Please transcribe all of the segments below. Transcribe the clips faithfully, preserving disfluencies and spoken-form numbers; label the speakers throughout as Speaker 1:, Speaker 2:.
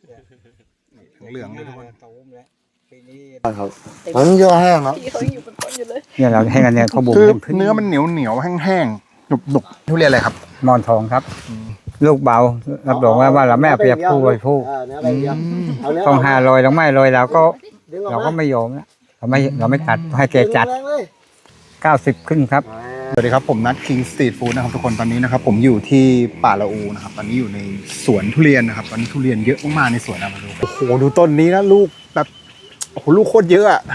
Speaker 1: เหลืองเลยทุกคน
Speaker 2: ครับมันเยอะแห้งครับ
Speaker 3: พี่เขายังอยู่บนต้นอยู่เลย
Speaker 4: เนี่ยเราให้กันเนี่ยเขาบุก
Speaker 1: คือเนื้อมันเหนียวเหนียวแห้งๆหนุบหนุบทุเรียนอะไรครับ
Speaker 4: มอนทองครับ ลูกเบารับรองว่าว่าเราไม่เอาเปรียบผู้บริโภคต้องห้าร้อยต้องไม่ร้อยเราก็เราก็ไม่ยอมนะเราไม่เราไม่ตัดให้แกจัดเก้าสิบขึ้นครับ
Speaker 1: สวัสดีครับผมนัทคิงสตรีทฟู้ดนะครับทุกคนตอนนี้นะครับผมอยู่ที่ป่าละอูนะครับตอนนี้อยู่ในสวนทุเรียนนะครับตอนนี้ทุเรียนเยอะมากๆในสวนนะมาดูโอ้โหดูต้นนี้นะลูกแบบโอ้โหลูกโคตรเยอะอะ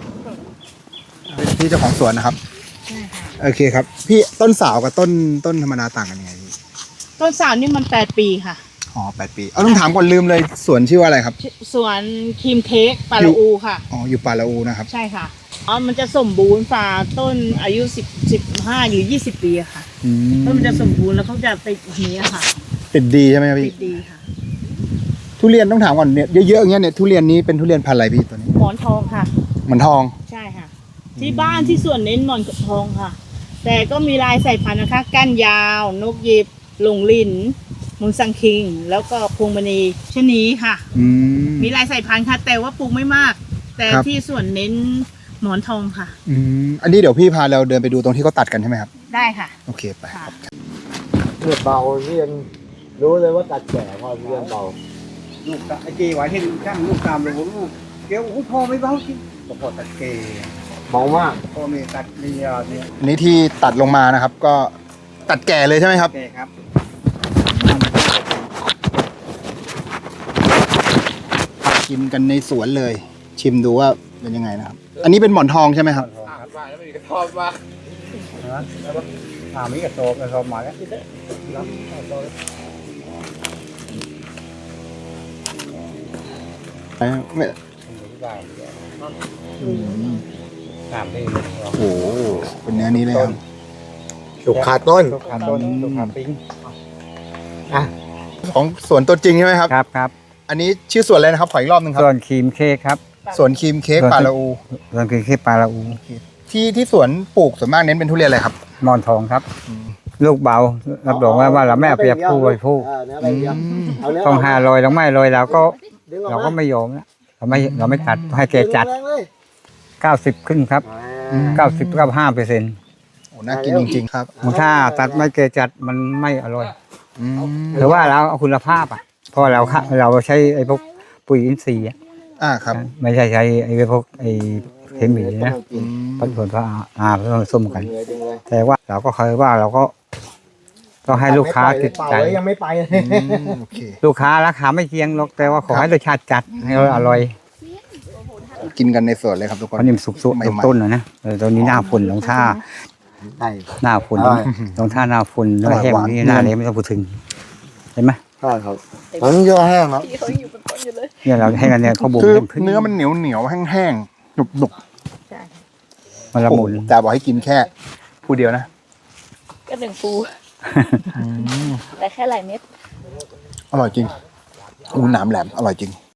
Speaker 1: พี่เจ้าของสวนนะครับโอเคครับพี่ต้นสาวกับต้นต้นธรรมดาต่างกันยังไงพี่
Speaker 3: ต้นสาวนี่มันแปดปีค่ะ
Speaker 1: อ๋อแปดปีเอาต้องถามก่อนลืมเลยสวนชื่อว่าอะไรครับ
Speaker 3: สวนครีมเค้กปาละอูค่ะ
Speaker 1: อ๋ออยู่ป่าละอูนะครับ
Speaker 3: ใช่ค่ะอ๋อมันจะสมบูรณ์ฝ่าต้นอายุสิบสิบห้าหรือยี่สิบปีอะค่ะต้นมันจะสมบูรณ์แล้วเขาจะติดอย่างนี้ค่ะ
Speaker 1: ติดดีใช่ไหมครับ
Speaker 3: ติ
Speaker 1: พี่
Speaker 3: ดดีค่ะ
Speaker 1: ทุเรียนต้องถามก่อนเนี่ยเยอะๆอย่างเงี้ยเนี่ยทุเรียนนี้เป็นทุเรียนพันธุ์อะไรพี่ตัวนี้
Speaker 3: หมอนทองค่ะ
Speaker 1: หมอนทอง
Speaker 3: ใช่ค่ะ ที่บ้านที่สวนเน้นหมอนทองค่ะ แต่ก็มีลายสายพันธุ์นะคะก้านยาวนกหยิบหลงลินมุนซังคิง แล้วก็พวงมณีชะนีค่ะ
Speaker 1: อืม
Speaker 3: มีลายสายพันธุ์ค่ะ แต่ว่าปลูกไม่มาก แต่
Speaker 1: ครับ
Speaker 3: ที่สวนเน้นหมอนทองค่ะ
Speaker 1: อืมอันนี้เดี๋ยวพี่พาเราเดินไปดูตรงที่เขาตัดกันใช่ไหมครับ
Speaker 3: ได้ค่ะ
Speaker 1: โอเคไป
Speaker 3: ค่ะ
Speaker 2: เลือดเบาเรียนรู้เลยว่าตัดแก่พอเรียนเบา
Speaker 4: ลูกไอ้เกไว้ที่ช่างลูกตามเลยผมลูกเดี๋ยวโอ้พอไม่เบาจริงพอตัดเก
Speaker 2: เบามาก
Speaker 4: พอมีตัดเรียเนี่ย
Speaker 1: อันนี้ที่ตัดลงมานะครับ ก็ตัดแก่เลยใช่ไหมครับ
Speaker 4: แกครับ
Speaker 1: กินกันในสวนเลย ชิมดูว่าเป็นยังไงนะครับ อันนี้เป็นหมอนทองใช่ไหมครับ
Speaker 4: ถามมีกระสอบกระสอบมาแล้ว
Speaker 1: ไม่
Speaker 4: ถามได้
Speaker 1: โอ้โหเป็นเนื้อนี้เลยครับ
Speaker 2: สุกขาดต้น
Speaker 4: ลูกค้าต้นลูกค้าปิ้ง
Speaker 2: อ่ะ
Speaker 1: ของสวนตัวจริงใช่ไหมครับ
Speaker 4: ครับครับ
Speaker 1: อันนี้ชื่อสวนอะไรนะครับขออีกรอบหนึงครับ
Speaker 4: ส่วนครีมเค้กครับ
Speaker 1: สวนครีมเค้กป่าละอู
Speaker 4: ส่วนครีมเค้กปลาละอู
Speaker 1: ที่ที่สวนปลูกส่วนมากเน้นเป็นทุเรียนอะไรครับ
Speaker 4: มอนทองครับ ลูกเบารับรองว่าว่าเราไม่เอาเปรียบผู้บริโภค
Speaker 2: เออเนื้อใบเดียวเอาเนื้อ
Speaker 4: ต้องห้าร้อยต้องไม่ร้อยเราก็
Speaker 2: ดึงออก
Speaker 4: เรา
Speaker 2: มา
Speaker 4: ก็ไม่ยอมนะเราไม่เราไม่ตัดให้แกจัด
Speaker 2: แรงเลย
Speaker 4: เก้าสิบขึ้นครับ
Speaker 1: อืม
Speaker 4: เก้าสิบกับห้าเปอร์เซ็นต์
Speaker 1: โอ้น่ากินจริงๆครับ
Speaker 4: ถ้าตัดไม่แกจัดมันไม่อร่อย
Speaker 1: อืม
Speaker 4: หรือว่าเราเอาคุณภาพอ่ะเพราะเราค่ะเราใช้ไอ้พวกปุ๋ยอินทรีย์อะ
Speaker 1: อ่าครับ
Speaker 4: ไม่ใช่ใช้ไอ้พวกไอ้เคมีนะ
Speaker 1: อืม
Speaker 4: ผสมผสานอ่าผสมกัน
Speaker 2: ดึงเลยดึงเลย
Speaker 4: แต่ว่าเราก็เคยว่าเราก็ต้องให้ลูกค้าติดใจ
Speaker 2: เป่าเลยยังไม่ไปเลย
Speaker 1: อืมโอเค
Speaker 4: ลูกค้าราคาไม่เคียงหรอกแต่ว่าขอให้รสชาติจัดให้อร่อย
Speaker 1: กินกันในสวนเลยครับทุกคน
Speaker 4: เพราะนี่มันสุกๆ
Speaker 1: ใหม่
Speaker 4: ต้น
Speaker 1: ๆ
Speaker 4: ต้นนะนะเออตอนนี้หน้าฝนลงท่า
Speaker 2: ได้
Speaker 4: หน้าฝน
Speaker 2: อร่อย
Speaker 4: ลงท่าหน้าฝนแล้วแห้งนี่หน้าเลยไม่ต้องพูดถึงเห็นไหม
Speaker 2: ใช่ครับมันเยอะแห้งครับ
Speaker 3: พี่เขายังอยู่บนต้นอยู่เลย
Speaker 4: เนี่ยเราให้กันเนี่ยเขาบุก
Speaker 1: คือ
Speaker 4: ขึ้น
Speaker 1: เนื้อมันเหนียวเหนียวๆแห้งๆหนุบหนุบ
Speaker 3: ใช่
Speaker 4: มันละมุน
Speaker 1: แต่บอกให้กินแค่ผู้เดียวนะ
Speaker 3: ก็หนึ่งปูแต่แค่หลายเม็ด
Speaker 1: อร่อยจริงอูหนามแหลมอร่อยจริง